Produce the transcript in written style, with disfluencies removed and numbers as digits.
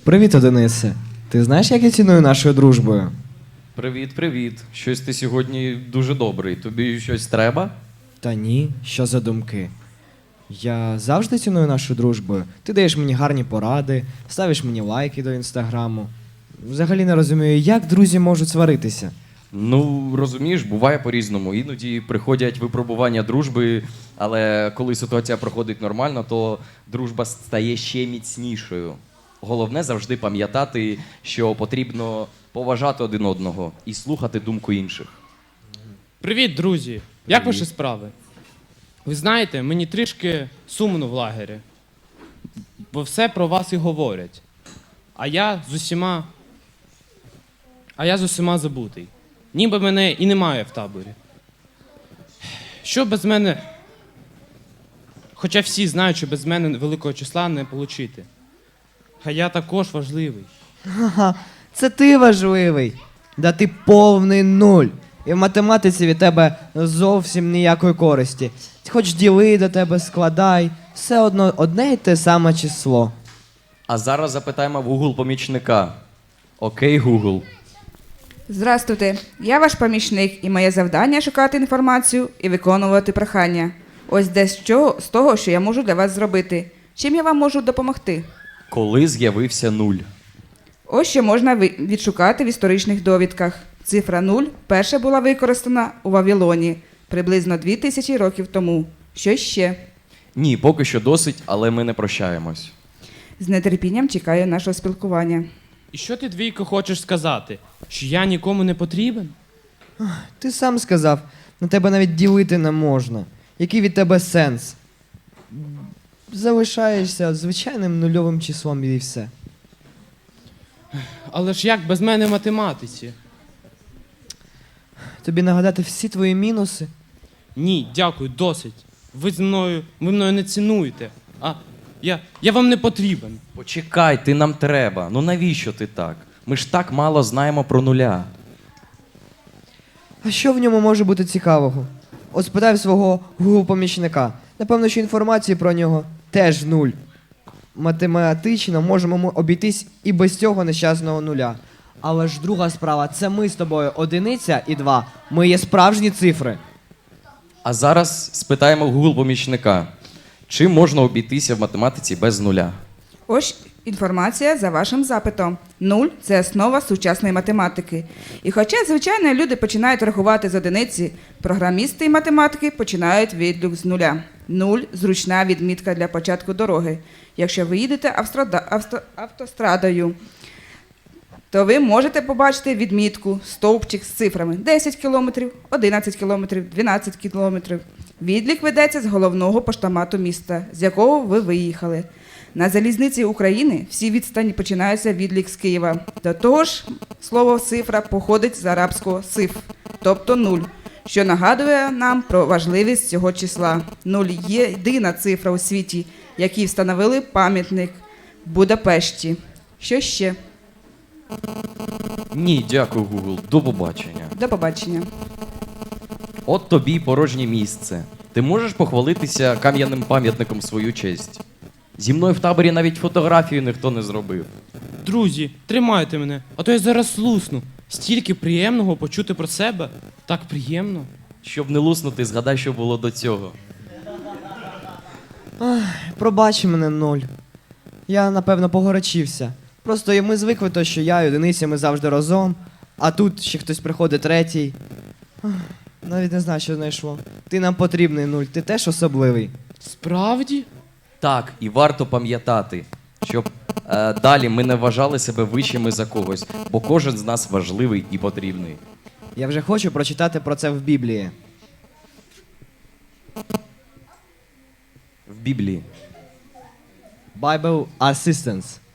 Привіт, Денисе. Ти знаєш, як я ціную нашою дружбою? Привіт, привіт. Щось ти сьогодні дуже добрий. Тобі щось треба? Та ні, що за думки? Я завжди ціную нашу дружбою. Ти даєш мені гарні поради, ставиш мені лайки до інстаграму. Взагалі не розумію, як друзі можуть сваритися. Ну, розумієш, буває по-різному. Іноді приходять випробування дружби, але коли ситуація проходить нормально, то дружба стає ще міцнішою. Головне завжди пам'ятати, що потрібно поважати один одного і слухати думку інших. Привіт, друзі! Як ваші справи? Ви знаєте, мені трішки сумно в лагері, бо все про вас і говорять. А я з усіма забутий. Ніби мене і немає в таборі. Що без мене? Хоча всі знають, що без мене великого числа не отримати. А я також важливий. Ага, це ти важливий. Да ти повний нуль. І в математиці від тебе зовсім ніякої користі. Хоч діли до тебе, складай, все одно одне й те саме число. А зараз запитаємо в Google помічника. Окей, Google. Здравствуйте, я ваш помічник, і моє завдання шукати інформацію і виконувати прохання. Ось дещо з того, що я можу для вас зробити. Чим я вам можу допомогти? Коли з'явився нуль? Ось що можна відшукати в історичних довідках. Цифра 0 перша була використана у Вавилоні приблизно 2000 років тому. Що ще? Ні, поки що досить, але ми не прощаємось. З нетерпінням чекаю нашого спілкування. І що ти, двійко, хочеш сказати? Що я нікому не потрібен? Ти сам сказав, на тебе навіть ділити не можна. Який від тебе сенс? Залишаєшся звичайним нульовим числом і все. Але ж як без мене в математиці? Тобі нагадати всі твої мінуси? Ні, дякую, досить. Ви мною не цінуєте. А я вам не потрібен. Почекай, ти нам треба. Ну навіщо ти так? Ми ж так мало знаємо про нуля. А що в ньому може бути цікавого? От спитай в свого Google-помічника. Напевно, що інформації про нього теж нуль. Математично можемо ми обійтись і без цього нещасного нуля. Але ж друга справа, це ми з тобою одиниця і два. Ми є справжні цифри. А зараз спитаємо в Google помічника. Чим можна обійтися в математиці без нуля? Ось інформація за вашим запитом. 0 – це основа сучасної математики. І хоча, звичайно, люди починають рахувати з одиниці, програмісти і математики починають відлік з нуля. 0 – зручна відмітка для початку дороги. Якщо ви їдете автострадою, то ви можете побачити відмітку, стовпчик з цифрами 10 кілометрів, 11 кілометрів, 12 кілометрів. Відлік ведеться з головного поштомату міста, з якого ви виїхали. На залізниці України всі відстані починаються відлік з Києва. До того ж, слово «цифра» походить з арабського «сиф», тобто 0, що нагадує нам про важливість цього числа. 0 – єдина цифра у світі, якій встановили пам'ятник в Будапешті. Що ще? Ні, дякую, Google. До побачення. До побачення. От тобі й порожнє місце. Ти можеш похвалитися кам'яним пам'ятником в свою честь? Зі мною в таборі навіть фотографію ніхто не зробив. Друзі, тримайте мене, а то я зараз лусну. Стільки приємного почути про себе. Так приємно. Щоб не луснути, згадай, що було до цього. Пробач мене, нуль. Я, напевно, погорячився. Просто ми звикли то, що я і одиниця, ми завжди разом, а тут ще хтось приходить третій. Навіть не знаю, що знайшло. Ти нам потрібний, нуль, ти теж особливий. Справді? Так, і варто пам'ятати, щоб далі ми не вважали себе вищими за когось, бо кожен з нас важливий і потрібний. Я вже хочу прочитати про це в Біблії. В Біблії. Bible Assistance.